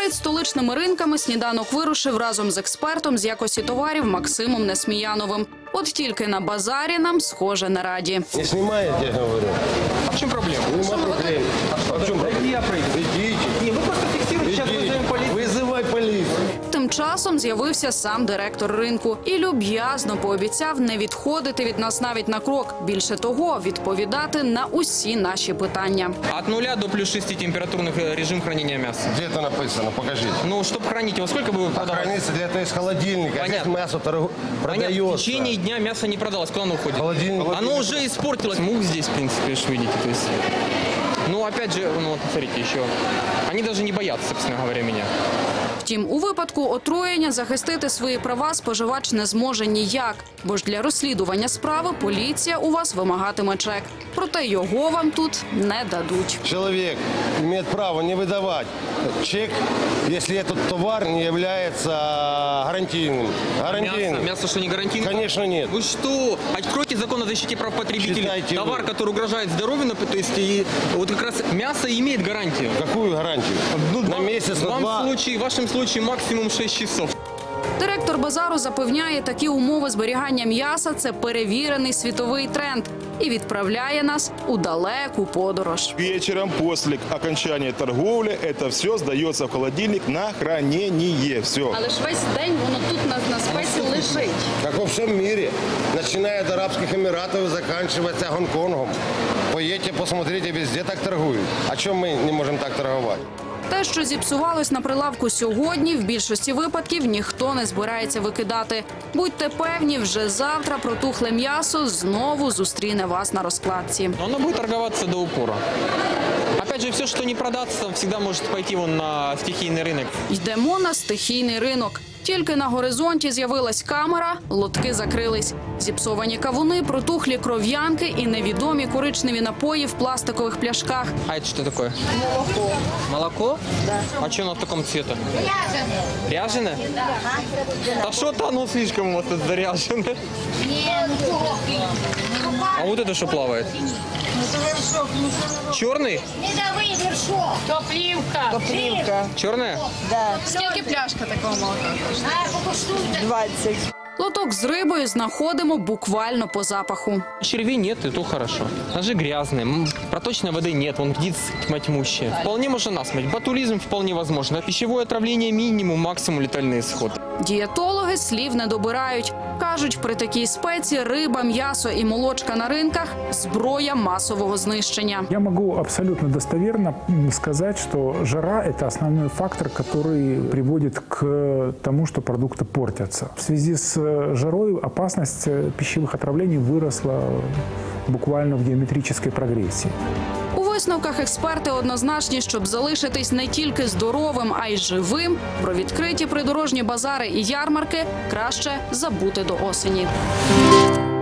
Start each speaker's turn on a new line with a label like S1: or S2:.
S1: Перед столичними ринками сніданок вирушив разом з експертом з якості товарів Максимом Несміяновим. От тільки на базарі нам, схоже, не раді.
S2: Не знімаєте, я говорю.
S3: А в чем проблема?
S2: Нема проблем. А в чому проблема?
S3: Я пройду.
S2: Ідіть.
S3: Не, вы просто фиксируете, сейчас вызовем полицию.
S2: Визивай поліцію.
S1: Тим часом з'явився сам директор ринку і люб'язно пообіцяв не відходити від нас навіть на крок. Більше того, відповідати на усі наші питання.
S3: От 0 до плюс 6 температурных режим хранения мяса.
S2: Де це написано? Покажіть.
S3: Ну, чтобы хранить его, сколько бы вы продавали?
S2: Храниться для того из холодильника. А здесь мясо
S3: Понятно, в
S2: продается.
S3: течение дня мясо не продалось. Куда оно уходит?
S2: Холодильник.
S3: Оно уже испортилось. Мух здесь, в принципе, уж видите. То есть... Ну, опять же, ну, вот, смотрите, еще. Они даже не боятся, собственно говоря, меня.
S1: Втім, у випадку отруєння захистити свої права споживач не зможе ніяк, бо ж для розслідування справи поліція у вас вимагатиме чек. Проте його вам тут не дадуть.
S2: Человек имеет право не выдавать чек, если этот товар не является гарантийным.
S3: Мясо что, не гарантийно?
S2: Конечно, нет.
S3: Вы что? Откройте закон о защите прав потребителей.
S2: Читайте
S3: Товар,
S2: вы.
S3: который угрожает здоровью, то есть и вот как раз мясо имеет гарантию.
S2: Какую гарантию? На месяц, на два?
S3: В вашем случае максимум 6 часов.
S1: Директор базару запевняє, такі умови зберігання м'яса – це перевірений світовий тренд і відправляє нас у далеку подорож.
S4: Вечером после окончания торговли это все сдается в холодильник на хранение. Все.
S1: Але ж весь день воно тут на спеці лежить.
S2: Как во всем мире. Начиная от Арабских Эмиратов и заканчивается Гонконгом. Поедьте, посмотрите, везде так торгуют. А чем мы не можем так торговать?
S1: Те, що зіпсувалось на прилавку сьогодні, в більшості випадків ніхто не збирається викидати. Будьте певні, вже завтра протухле м'ясо знову зустріне вас на розкладці.
S3: Оно будет торговаться до упора. Опять же, все, что не продастся, всегда может пойти вон на стихийный рынок.
S1: Йдемо на стихійний ринок. Тільки на горизонті з'явилась камера, лотки закрились. Зіпсовані кавуни, протухлі кров'янки і невідомі коричневі напої в пластикових пляшках.
S3: А это что такое? Молоко. Молоко? Да. А что оно в таком цвете? Ряженое. Ряженое? Да что-то оно слишком у вас тут заряжено. А вот это что плавает? Черный?
S5: Медовый вершок. Топливка.
S3: Черная?
S5: Да.
S1: Скільки пляшка такого молока?
S5: А, покуштуйте.
S6: 20.
S1: Лоток з рибою знаходимо буквально по запаху.
S3: Червей нет, и то хорошо. Ножи грязные, проточной воды нет, вон птиц тьма тьмущая. Вполне можно насмерть. Ботулизм вполне возможно. Пищевое отравление минимум, максимум летальный исход.
S1: Дієтологи слів не добирають. Кажуть, при такій спеці риба, м'ясо і молочка на ринках – зброя масового знищення.
S7: Я могу абсолютно достоверно сказать, что жара – это основной фактор, который приводит к тому, что продукты портятся. В связи с жарой опасность пищевых отравлений выросла буквально в геометрической прогрессии.
S1: У висновках експерти однозначні, щоб залишитись не тільки здоровим, а й живим, про відкриті придорожні базари і ярмарки краще забути до осені.